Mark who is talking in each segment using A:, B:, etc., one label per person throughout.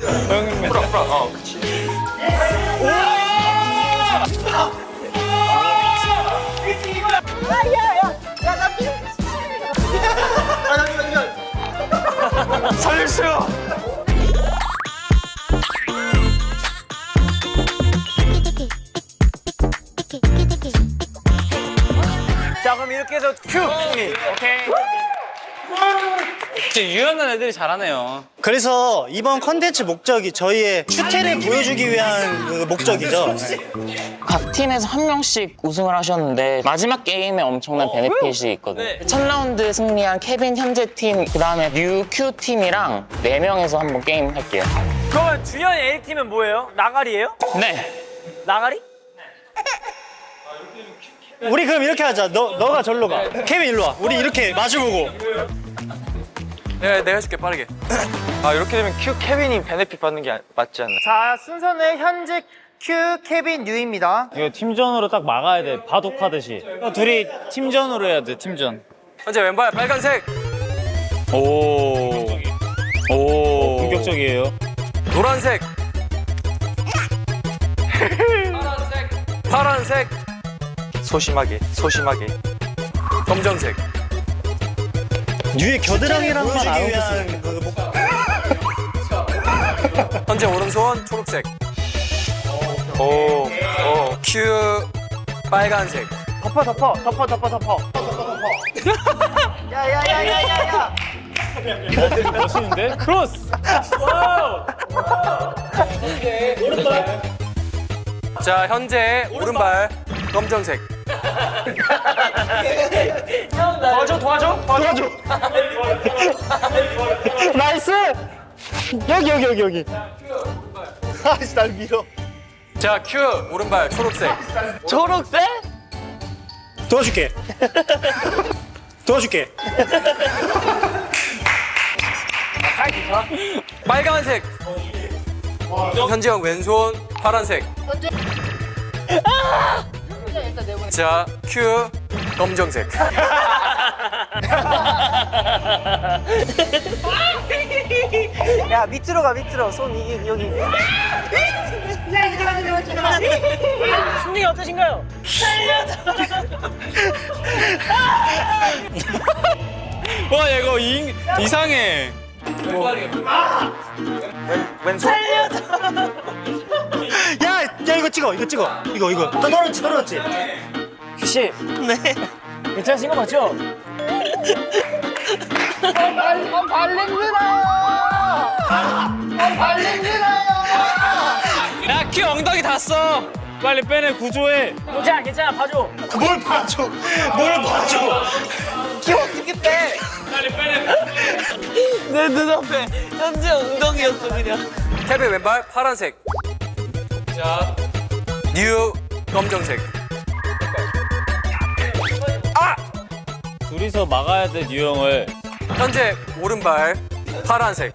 A: 허영맨.
B: 프라. 그치. 살려주세요.
C: 자, 그럼 이렇게 해서 큐 승리. 오케이.
A: 진짜 유연한 애들이 잘하네요.
D: 그래서 이번 컨텐츠 목적이 저희의 추태를 보여주기 위한 그 목적이죠.
E: 각 팀에서 한 명씩 우승을 하셨는데 마지막 게임에 엄청난 베네핏이 있거든요. 첫 라운드 승리한 케빈 현재 팀, 그다음에 뉴큐 팀이랑 4명에서 한번 게임 할게요.
C: 그러면 주연 A팀은 뭐예요? 나가리예요?
E: 네.
C: 나가리?
D: 우리 그럼 이렇게 하자. 너가 절로 가. 케빈 일로 와. 우리 이렇게 마주보고.
B: 내가 해줄게 빠르게. 이렇게 되면 큐 케빈이 베네핏 받는 게 맞지 않나?
C: 자, 순서는 현재 큐 케빈 뉴입니다.
A: 이거 팀전으로 딱 막아야 돼. 바둑하듯이. 둘이 팀전으로 해야 돼. 팀전.
B: 현재 왼발 빨간색,
A: 오. 공격적이에요.
B: 노란색, 파란색, 소심하게, 검정색.
D: 뉴의 겨드랑이랑만 알아보겠습니다.
B: 현재 오른손 초록색. 큐 빨간색.
C: 덮어. 야야야야야야.
A: 멋있는데? 크로스! 와우!
B: 자, 현재 오른발 검정색.
C: 도와줘.
D: 나이스! 여기. 아이씨, 날 밀어.
B: 자, 큐 오른발 초록색.
C: 초록색?
D: 도와줄게.
B: 빨간색. 현재 형 왼손 파란색. 자, 큐 검정색.
C: 야, 밑으로 가. 손 여기. 승리 어떠신가요?
A: 와, 얘 이거 이상해.
B: 왼손.
D: 야, 이거 찍어. 이거. 떨어졌지.
C: 씨. 네. 괜찮으신 거 맞죠?
A: 야, 키 엉덩이 닿았어. 빨리 빼내, 구조해.
C: 괜찮아. 봐줘.
D: 뭘 봐줘.
C: 키 어떻게 빼?
A: 빨리 빼내.
C: 내 눈앞에 현재 엉덩이였어 그냥.
B: 케빈 왼발 파란색. 자, 뉴 검정색.
A: 둘이서 막아야 돼, 뉴형을.
B: 현재 오른발 파란색.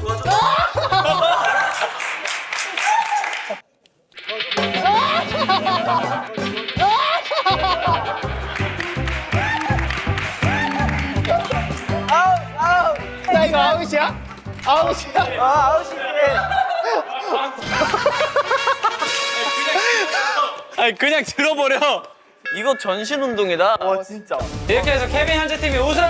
C: 야, 이거 아웃이야? 아웃이네.
A: 아니, 그냥 들어버려.
C: 이거 전신 운동이다. 진짜.
A: 이렇게 해서 케빈 현재 팀이 우승!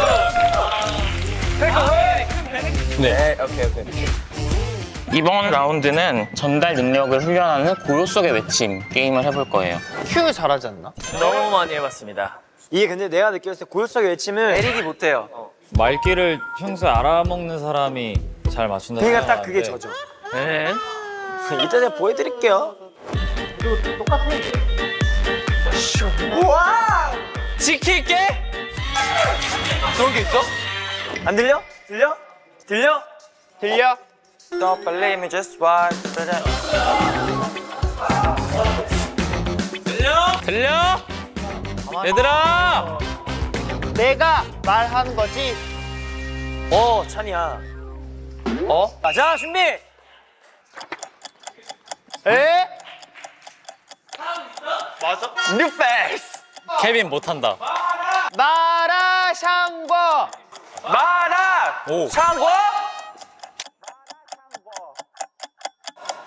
B: 네, 오케이.
E: 이번 라운드는 전달 능력을 훈련하는 고요 속의 외침 게임을 해볼 거예요.
C: 큐 잘하지 않나? 너무 많이 해봤습니다. 이게 근데 내가 느꼈을 때 고요속의 외침을 내리기 못해요.
A: 말귀를 평소에 알아먹는 사람이 잘 맞춘다.
C: 그러니까 딱 그게
A: 생각하는데
C: 저죠. 네. 이따 제가 보여드릴게요. 이거 똑같아. 우와!
A: 지킬게!
B: 그런 게 있어?
C: 안 들려? 들려?
B: Don't believe me, just watch.
A: 들려? 얘들아!
C: 내가 말하는 거지. 찬이야. 자, 준비. 에? 맞아? 뉴 페이스.
A: 케빈 못한다.
C: 마라샹궈.
B: 마라!
A: 오.
B: 창고?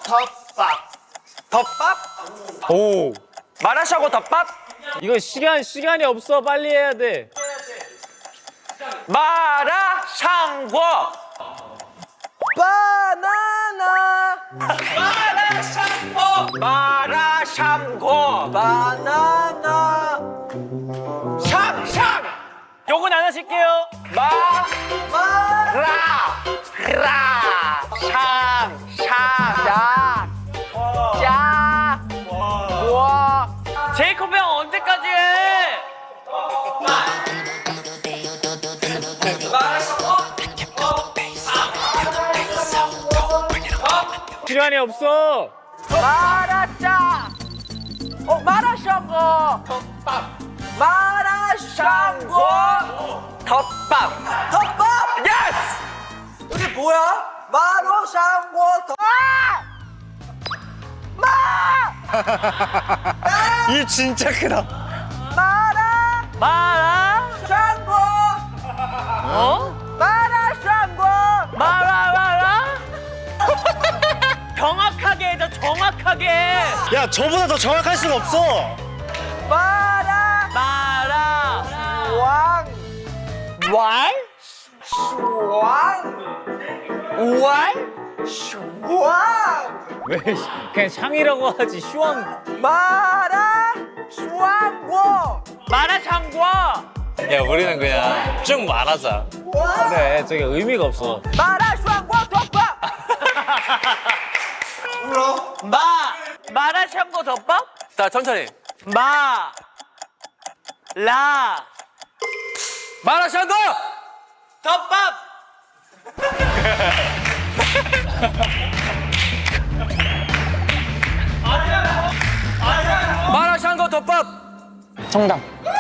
B: 덮밥?
A: 오.
B: 마라샹궈 덮밥?
A: 이거 시간이 없어. 빨리 해야 돼.
B: 마라샹궈.
C: 바나나.
B: 마라샹궈.
C: 바나나.
B: 샹샹.
A: 요건 안 하실게요.
B: 마라. 샹샹. 야. 와.
A: 제이콥 형 언제까지 해? 시간이 없어.
B: 마라짜. 마라샹궈. 덮밥. 마라샹궈. 덮밥.
C: 덮밥.
B: 예스.
C: 이게 뭐야? 마라샹궈 덮밥.
D: 이 진짜 크다.
B: 마라샹궈. 마라샹궈.
A: 마라라라. 정확하게 해줘. 정확하게.
D: 야, 저보다 더 정확할 수가 없어.
B: 마라. 왕.
A: 왈?
B: 왕.
A: 왜 그냥 샹이라고 하지. 슈왕.
B: 마라샹궈.
A: 마라샹궈.
B: 야, 우리는 그냥 쭉 말하자.
A: 그래. 저게 의미가 없어.
B: 마라샹궈 덮밥.
A: 마라샹궈 덮밥?
B: 자, 천천히. 마라샹궈
A: 덮밥.
B: 마라샹궈 덮밥.
E: 정답.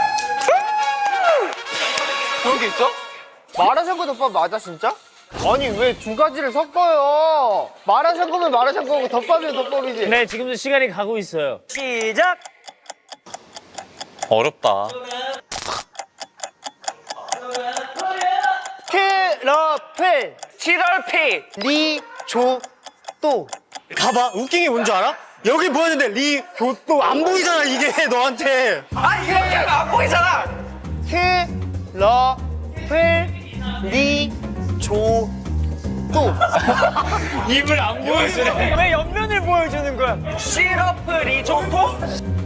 B: 그런 게 있어?
C: 마라샹궈 덮밥 맞아 진짜? 아니 왜 두 가지를 섞어요? 마라샹궈면 마라샹궈고 덮밥이면 덮밥이지.
A: 네, 지금도 시간이 가고 있어요.
C: 시작.
B: 어렵다.
C: 트러플.
B: 7월피.
C: 리조또.
D: 봐봐. 웃긴 게 뭔지 알아? 여기 보였는데 리조또 안 보이잖아, 이게 너한테.
B: 아, 이렇게 하면 안 보이잖아.
C: 트러플. 리조또.
A: 입을 안 보여주네. 왜 옆면을 보여주는 거야?
B: 시러프 리조토?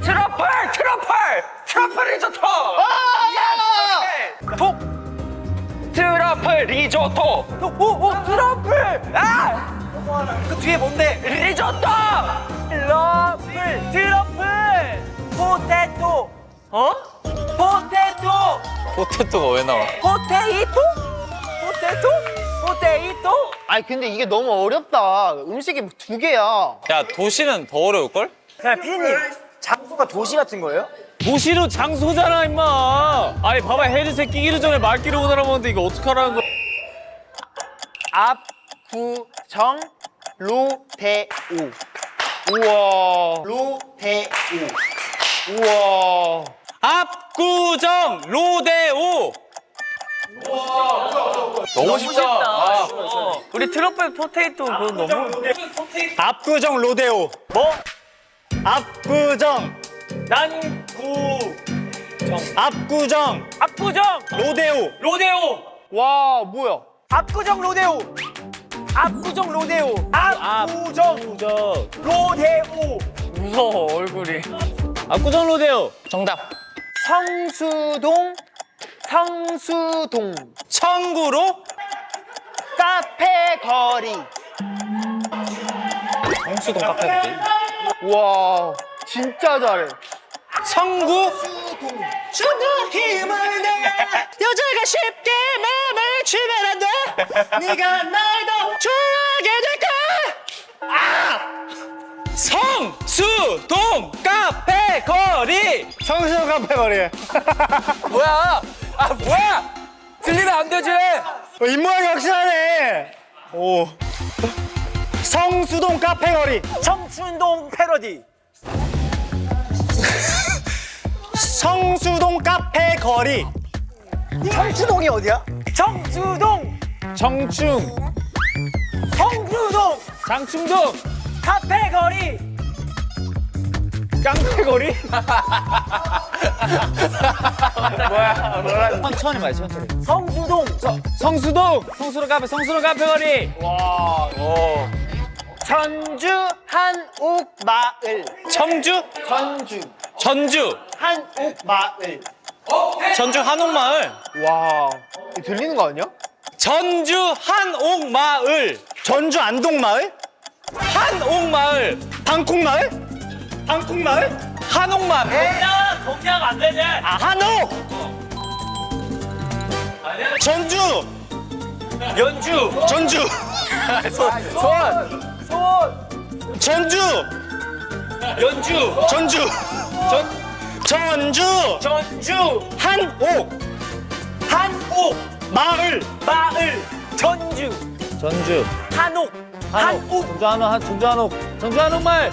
B: 트러플 리조토. 예스. 톡. 트러플 리조토.
C: 오 트러플.
B: 아! 그 뒤에 뭔데? 리조토. 트러플. 포테토.
A: 어?
B: 포테토.
F: 포테토가 왜 나와?
B: 포테이토? 포테이토?
C: 아니 근데 이게 너무 어렵다. 음식이 두 개야.
F: 야, 도시는 더 어려울걸?
C: 야 피디님 장소가 도시 같은 거예요?
A: 도시로 장소잖아, 임마. 아니, 봐봐. 헤드셋 끼기도 전에 말귀를 못 알아먹는데 이거 어떡하라는 거야?
C: 압구정 로데오. 우와. 로데오. 우와.
F: 압구정 로데오.
B: 너무 쉽다. 우리 트러플 포테이토 그거 너무.
D: 압구정 로데오.
A: 뭐?
D: 압구정. 압구정
A: 압구정
D: 로데오.
A: 로데오.
C: 와 뭐야?
B: 압구정 로데오. 압구정 로데오. 압구정 로데오.
A: 무서워, 얼굴이. 압구정 로데오.
E: 정답.
C: 성수동.
F: 청구로
C: 카페 거리.
F: 성수동 카페인데.
C: 와 진짜 잘해.
F: 성구
D: 주는 힘을 내. 여자가 쉽게 마음을 주면 안 돼. 네가 날 더 좋아하게 될까?
F: 성수동 카페 거리.
D: 성수동 카페 거리.
B: 뭐야? 아 뭐야? 들리면 안 되지.
D: 입모양이 확실하네. 오. 성수동 카페 거리.
C: 청춘동 패러디.
D: 성수동 카페 거리.
C: 청춘동이 어디야?
B: 정수동.
A: 정충.
B: 성수동.
A: 장충동.
D: 카페거리.
A: 깡패거리?
F: 천천히 말 천천히.
D: 성수동.
A: 성수로 카페거리.
C: 전주 한옥마을.
F: 청주? 전주.
C: 한옥마을.
F: 전주 한옥마을.
C: 와, 이거 들리는 거 아니야?
F: 전주 한옥마을. 전주 안동마을? 한옥마을. 방콕마을? 방콕마을? 한옥마을.
A: 동작 안 되지?
F: 아, 한옥. 전주.
A: 연주.
F: 전주. 전주.
A: 연주.
F: 전주. 전주. 한옥. 마을.
A: 전주. 한옥. 전주 한옥마을.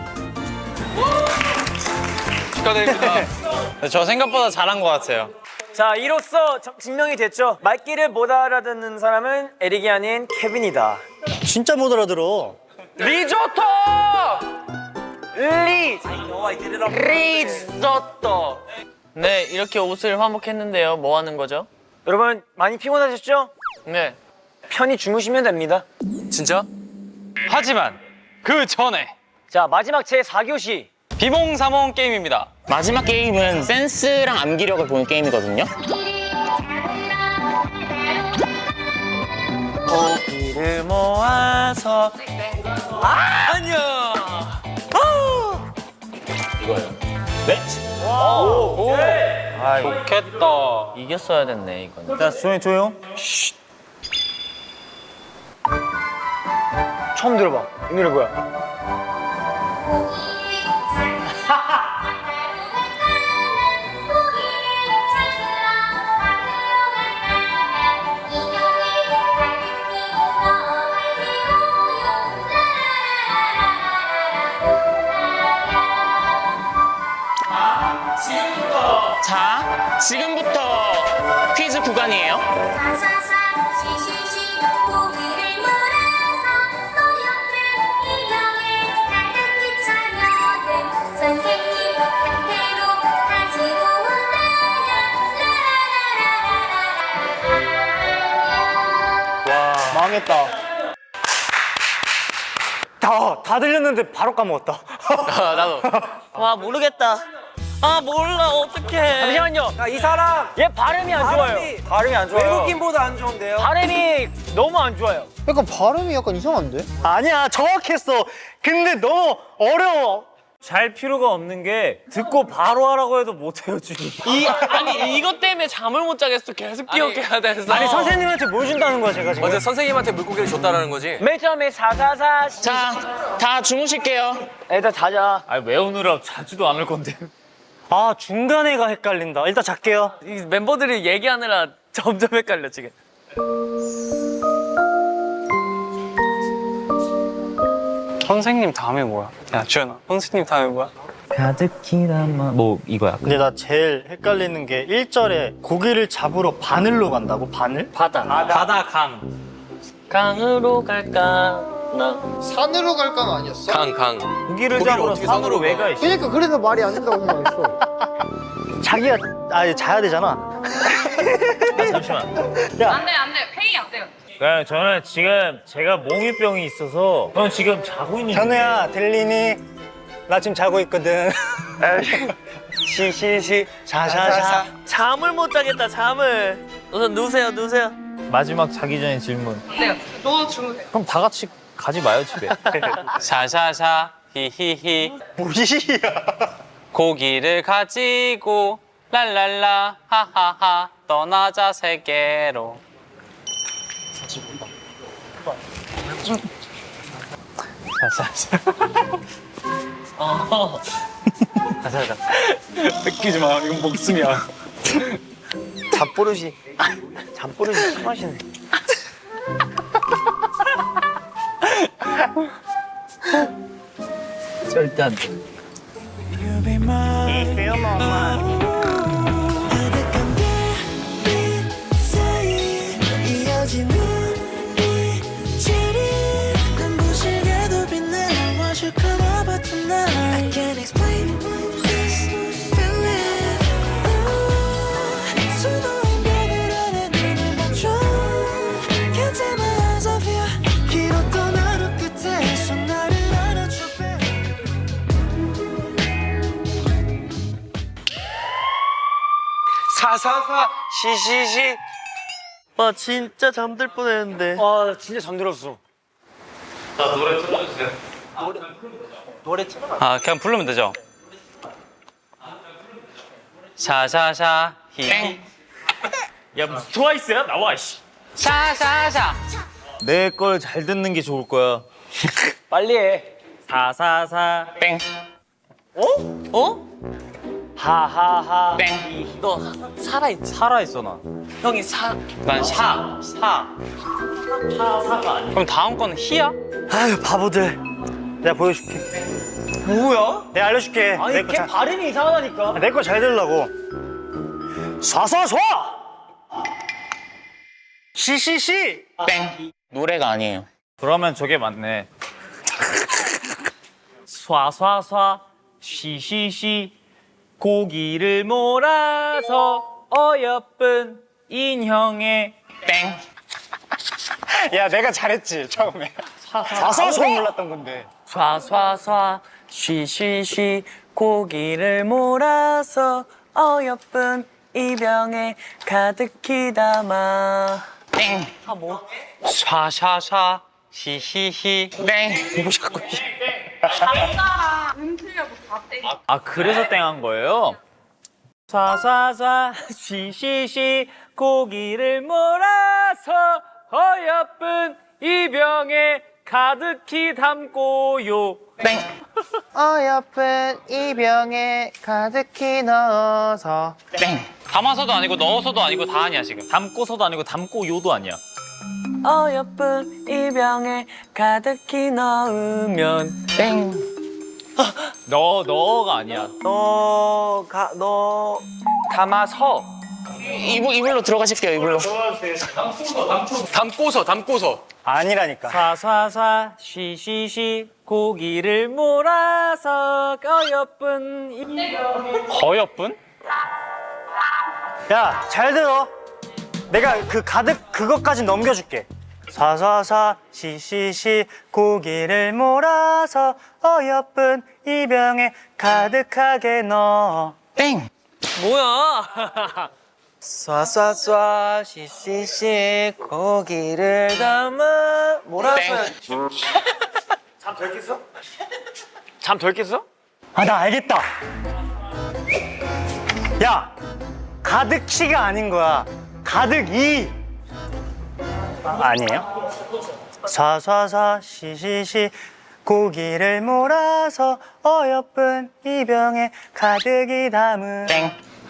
B: 축하드립니다.
F: 저 생각보다 잘한 것 같아요.
D: 자, 이로써 증명이 됐죠. 말귀를 못 알아듣는 사람은 에릭이 아닌 케빈이다.
F: 진짜 못 알아들어.
B: 리조또.
E: 리조또. 네, 이렇게 옷을 화목했는데요. 뭐 하는 거죠?
D: 여러분 많이 피곤하셨죠?
E: 네.
D: 편히 주무시면 됩니다.
B: 진짜?
F: 하지만 그 전에
D: 자, 마지막 제 4교시.
F: 비몽사몽 게임입니다.
E: 마지막 게임은 센스랑 암기력을 보는 게임이거든요.
D: 고기를 모아서
F: 좋겠다.
E: 이겼어야 됐네, 이건.
F: 자, 조용.
D: 처음 들어봐. 이 노래 뭐야?
E: 자, 지금부터 퀴즈 구간이에요.
G: 사사사 시시시 고기를 몰아서 노력한 이명에 가득히 차려든 선생님 곁으로 가지고 온다야.
C: 망했다.
F: 다 들렸는데 바로 까먹었다.
B: 나도.
E: 와, 모르겠다. 아, 몰라, 어떡해.
D: 잠시만요. 이 사람 얘 발음이 안 좋아요. 발음이 안 좋아요.
C: 외국인보다 안 좋은데요?
D: 발음이 너무 안 좋아요.
C: 약간 발음이 약간 이상한데?
F: 아니야, 정확했어. 근데 너무 어려워.
A: 잘 필요가 없는 게 듣고 바로 하라고 해도 못해요, 주님.
E: 아니, 이것 때문에 잠을 못 자겠어. 계속 기억해야 돼서.
F: 아니, 선생님한테 뭘 준다는 거야, 제가 지금.
B: 어제 선생님한테 물고기를 줬다라는 거지?
D: 맨 처음에 사사사
E: 자, 다 주무실게요.
D: 애들 자자.
A: 아니, 외우느라 자지도 않을 건데.
F: 아, 중간에가 헷갈린다. 일단 잘게요.
E: 이 멤버들이 얘기하느라 점점 헷갈려, 지금.
F: 선생님 다음에 뭐야? 야, 주연아. 선생님 다음에 뭐야?
A: 가득히 담아. 뭐, 이거야.
H: 근데 나 제일 헷갈리는 게 1절에 고기를 잡으러 바늘로 간다고? 바늘?
E: 바다.
F: 바다 강.
E: 강으로 갈까? 나.
C: 산으로 갈 건 아니었어?
B: 강.
A: 고기를
B: 고기를
A: 잡으러
B: 어떻게
A: 산으로
B: 산으로
A: 왜
B: 가?
A: 가? 이씨.
C: 그러니까 그래서 말이 안 된다고 생각했어.
H: 자기가 자야 되잖아.
A: 잠시만.
I: 안 돼. 회의 안 돼요.
A: 그냥 저는 지금 제가 몽유병이 있어서 형 지금 자고 있는
F: 현우야, 들리니? 나 지금 자고 있거든. 시시시. 자자자.
E: 잠을 못 자겠다, 잠을. 우선 누우세요.
A: 마지막 자기 전에 질문.
I: 네. 너 주무세요.
A: 그럼 다 같이 가지 마요, 집에.
F: 샤샤샤. 히히히.
H: 뭐야?
F: 고기를 가지고 랄랄라 하하하 떠나자 세계로.
A: 뺏기지 마. 이건 목숨이야.
C: 잡버릇이 심하시네.
A: 절대 안 돼.
G: 이어진 우리 지리 눈부시게도 빛나와
B: 사사사 시시시.
C: 아 진짜 잠들 뻔했는데.
A: 아 진짜 잠들었어.
F: 아 그냥 부르면 되죠. 샤샤샤 히.
A: 야 무슨 트와이스야? 나와 씨.
F: 샤샤샤.
A: 내 걸 잘 듣는 게 좋을 거야.
B: 빨리 해.
A: 사사사
E: 땡.
A: 하하하.
E: 땡.
B: 너 살아있지?
A: 살아있어 나.
B: 형이 사.
F: 난 샤. 사. 그럼 다음 거는 히야?
H: 아유 바보들. 내가 보여줄게.
B: 뭐야?
H: 내가 알려줄게.
A: 아니 걔 발음이 이상하다니까.
H: 내 거 잘 들으려고. 쏴쏴쏴. 시시시.
E: 땡. 노래가 아니에요.
A: 그러면 저게 맞네. 쏴쏴쏴 쉬쉬쉬 고기를 몰아서 어여쁜 인형에
E: 땡.
H: 야 내가 잘했지 처음에. 쏴쏴쏴 몰랐던 건데.
B: 쏴쏴쏴 쉬쉬쉬 고기를 몰아서 어여쁜 이 병에 가득히 담아.
E: 땡.
F: 샤샤샤 히히히.
E: 땡.
I: 남자랑 음틀려고 다 땡.
A: 아 그래서 땡한 거예요? 쏴쏴쏴 쉬쉬쉬 고기를 몰아서 어여쁜 이 병에 가득히 담고요.
E: 땡.
C: 어여쁜 이 병에 가득히 넣어서.
E: 땡.
F: 담아서도 아니고 넣어서도 아니고 다 아니야 지금.
A: 담고서도 아니고 담고요도 아니야.
B: 어여쁜 이 병에 가득히 넣으면
E: 땡.
A: 너가 아니야.
B: 너 담아서
E: 이불로 들어가실게요. 이불로.
B: 담고서
H: 아니라니까.
A: 쏴쏴쏴 쉬쉬쉬 고기를 몰아서 어여쁜 이
F: 거여뿐?
H: 야 잘 들어. 내가 그 가득 그것까지 넘겨줄게. 사사사 시시시 고기를 몰아서 어여쁜 이 병에 가득하게 넣어.
E: 땡.
B: 뭐야? 쏴쏴쏴 시시시 고기를 담아 몰아서.
E: 땡.
A: 잠 덜 깼어?
H: 아 나 알겠다. 야 가득히가 아닌 거야. 가득이. 아니에요? 사사사 시시시 고기를 몰아서 어여쁜 이 병에 가득히 담은.
E: 땡.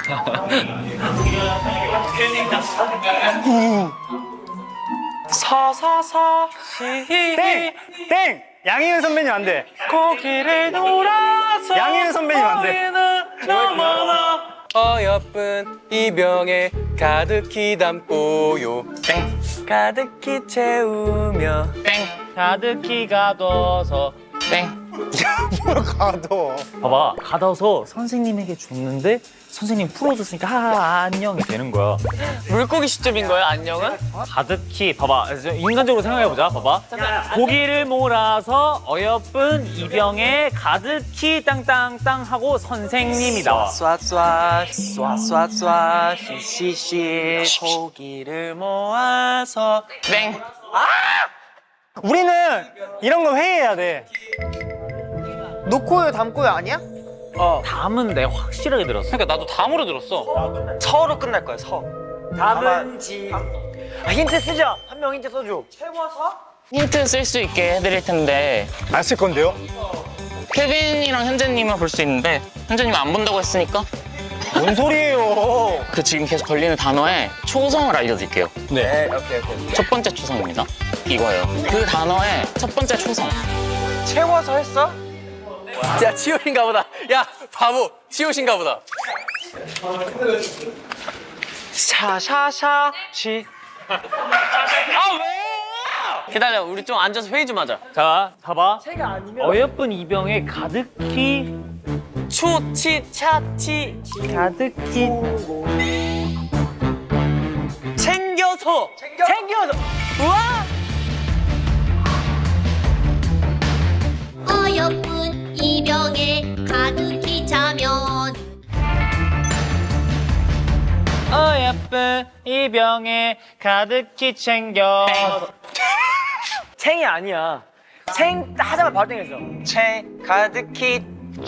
B: 사사사 시히
H: 땡! 땡! 양희은 선배님 안 돼.
B: 고기를 놀아서
H: 양희은 선배님 안 돼.
B: 너무나 어여쁜 이 병에 가득히 담고요.
E: 땡.
B: 가득히 채우며
E: 땡.
A: 가득히 가둬서.
E: 땡.
H: 뭘 가둬.
A: 봐봐 가둬서 선생님에게 줬는데 선생님 풀어줬으니까 하하 안녕이 되는 거야.
B: 물고기 시점인 거야 안녕은?
A: 가득히 봐봐 인간적으로 생각해보자. 봐봐 고기를 몰아서 어여쁜 이 병에 가득히 땅땅땅 하고 선생님이 나와.
B: 쏴쏴 시시시 고기를 모아서.
E: 땡.
H: 우리는 이런 거 회의해야 돼.
C: 놓고요 담고요 아니야?
A: 담은 내가 확실하게 들었어.
F: 그러니까 나도 담으로 들었어.
B: 서로 끝날 거야 서.
C: 답은 지. 힌트 쓰자. 한 명 힌트 써줘.
E: 힌트 쓸 수 있게 해드릴 텐데
H: 안 쓸 건데요?
E: 케빈이랑 현재님은 볼 수 있는데 현재님 안 본다고 했으니까
H: 뭔 소리예요?
E: 그 지금 계속 걸리는 단어의 초성을 알려드릴게요.
B: 네 오케이.
E: 첫 번째 초성입니다. 이거예요. 그 단어의 첫 번째 초성.
B: 채워서 했어? 야 지효신가 보다. 야 바보 지효신가 보다. 샤샤샤 시. 아 왜? 기다려 우리 좀 앉아서 회의 좀 하자.
A: 자 봐봐 어여쁜 이 병에 가득히
B: 초치 차치
A: 가득히
B: 챙겨서 우와.
G: 어여쁜 이 병에 가득히 차면
A: 어여쁜 이 병에 가득히 챙겨.
B: 챙이 아니야. 챙 하자마자 바로 땡겼어. 챙 가득히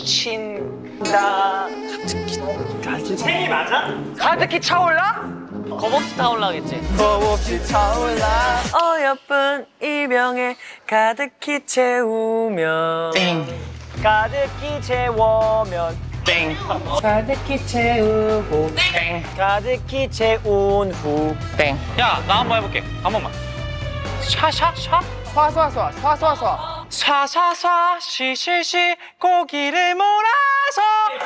B: 친다. 챙이 맞아? 가득히 차올라?
A: 겁없이 타올라겠지.
B: 겁없이 차올라. 어여쁜 이 병에 가득히 채우면
E: 땡.
B: 가득히 채우면
E: 땡.
B: 가득히 채우고
E: 땡.
B: 가득히 채운 후
E: 땡.
A: 야, 나 한번 해볼게. 한 번만. 샤샤샤.
C: 쏴.
B: 쏴쏴쏴 시시시 고기를 몰아서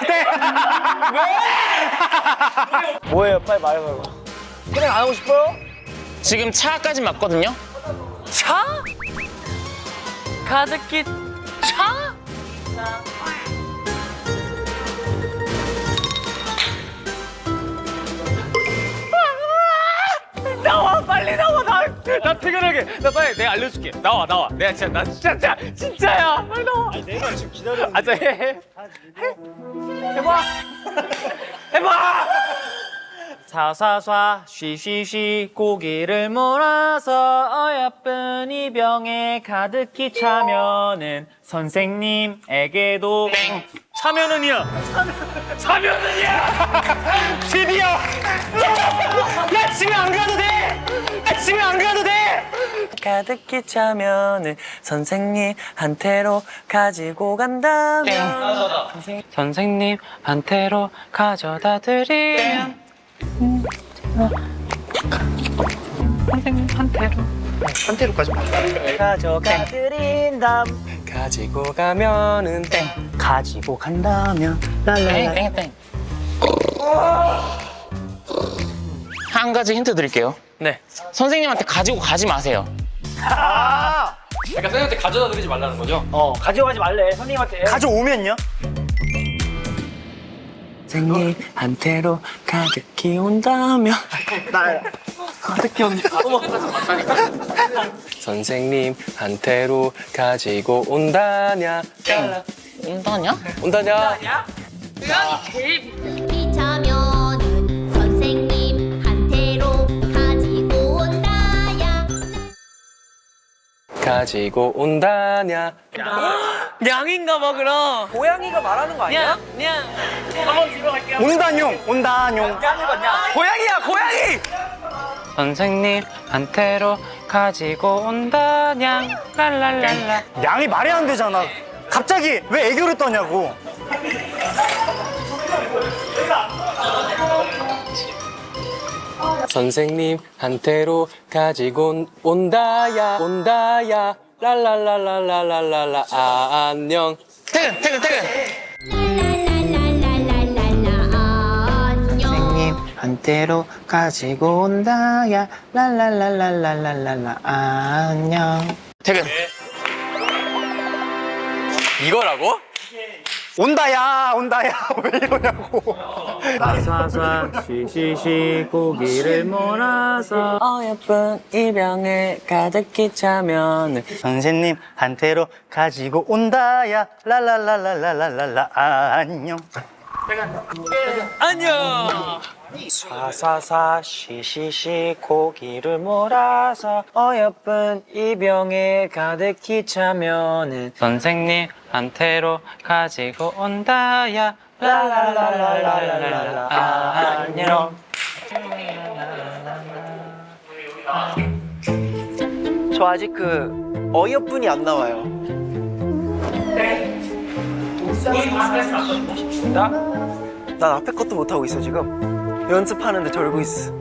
B: 뭐예요? 빨리 말해봐요. 그냥 안 하고 싶어요?
E: 지금 차까지 맞거든요?
B: 차? 가득히 차? 나와 빨리 나와 나 퇴근하게 나 빨리 내가 알려줄게 나와 내가 진짜야 빨리 나와 아니
H: 내가 지금 기다렸는데.
B: 아, 해봐
A: 사사사 쉬쉬쉬 고기를 몰아서 어여쁜 이 병에 가득히 차면은 선생님에게도
E: 땡.
A: 차면은이야. 차면은이야. 드디어. 야 집에 안 가도 돼. 집에 안 가도 돼.
B: 가득히 차면은 선생님한테로 가지고 간다면
F: 선생님한테로 가져다 드리면
H: 한테로까지
B: 가져가 드린 다음
F: 가지고 가면은 땡.
B: 가지고 간다면
E: 땡. 땡. 땡. 한 가지 힌트 드릴게요.
B: 네.
E: 선생님한테 가지고 가지 마세요.
B: 그러니까 선생님한테 가져다 드리지 말라는 거죠? 가져가지 말래 선생님한테
H: 가져오면요?
B: 선생님한테로 가득히 온다면
F: 선생님한테로 가지고 온다냐.
E: 온다냐?
F: 온다냐?
G: 이 차면은 선생님한테로 가지고 온다야.
F: 가지고 온다냐.
B: 냥인가 봐 그럼 고양이가 말하는 거 아니야?
A: 냥. 한번 들어갈게요.
H: 온다뇽.
B: 고양이야 고양이
F: 선생님한테로 가지고 온다냐. 랄랄랄라.
H: 양이 말이 안 되잖아. 갑자기 왜 애교를 떠냐고.
F: 선생님한테로 가지고 온다야. 랄랄랄랄랄랄라. 안녕.
E: 퇴근.
G: 랄랄랄랄랄랄라 안녕.
D: 선생님한테로 가지고 온다야 랄랄랄랄랄랄라 안녕.
E: 퇴근.
B: 이거라고?
H: 온다야. 왜 이러냐고.
A: 사사사 쉬쉬쉬 고기를 몰아서
B: 어여쁜 이 병에 가득히 차면은
H: 선생님한테로 가지고 온다야 랄랄랄랄랄랄라 안녕.
B: 안녕 사사사 시시시 고기를 몰아서 어여쁜 이 병에 가득히 차면은
F: 선생님한테로 가지고 온다야.
B: 랄랄랄랄랄랄라 안녕 저 아직 그 어여쁜이 안 나와요 난 앞에 것도 못하고 있어 지금 연습하는데 절고 있어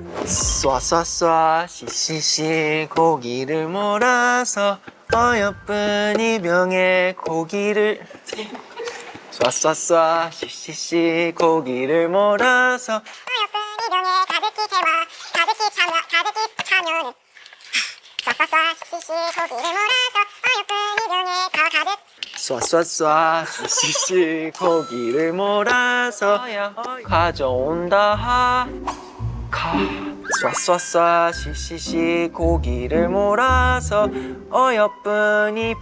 B: 쏴쏴쏴 시시시 고기를 몰아서 어여쁜 이 병에 고기를 쏴쏴쏴 시시시 고기를 몰아서
G: 어여쁜 이 병에 가득히 채워 가득히 차면은 쏴쏴쏴 시시 고기를 몰아서 어여쁜 이 병에 더 가득
B: 쏴쏴쏴 시시시 고기를 몰아서 가져온다 쏴쏴쏴 시시시 고기를 몰아서 어여쁜 이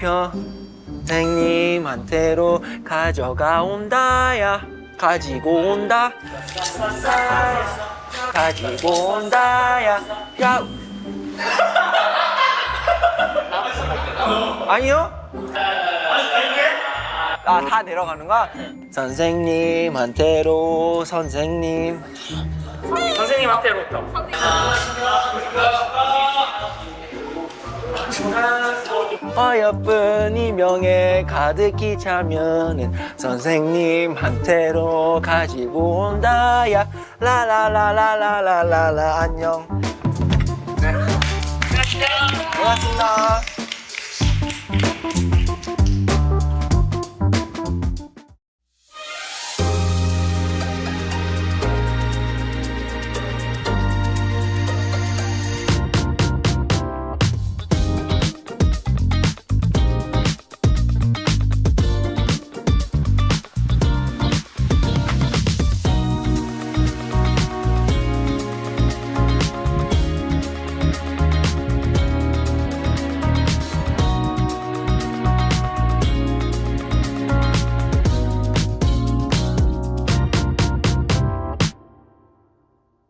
B: 병생님한테로 가져가 온다야 가지고 온다
D: 가지고 온다야. 야. 아니요? 아, 다 내려가는 거야? 선생님한테로 선생님.
A: 선생님한테로부터.
D: 어여쁜 이명에 가득히 차면은 선생님한테로 가지고 온다야. 라라라라라라라라. 안녕. 고맙습니다.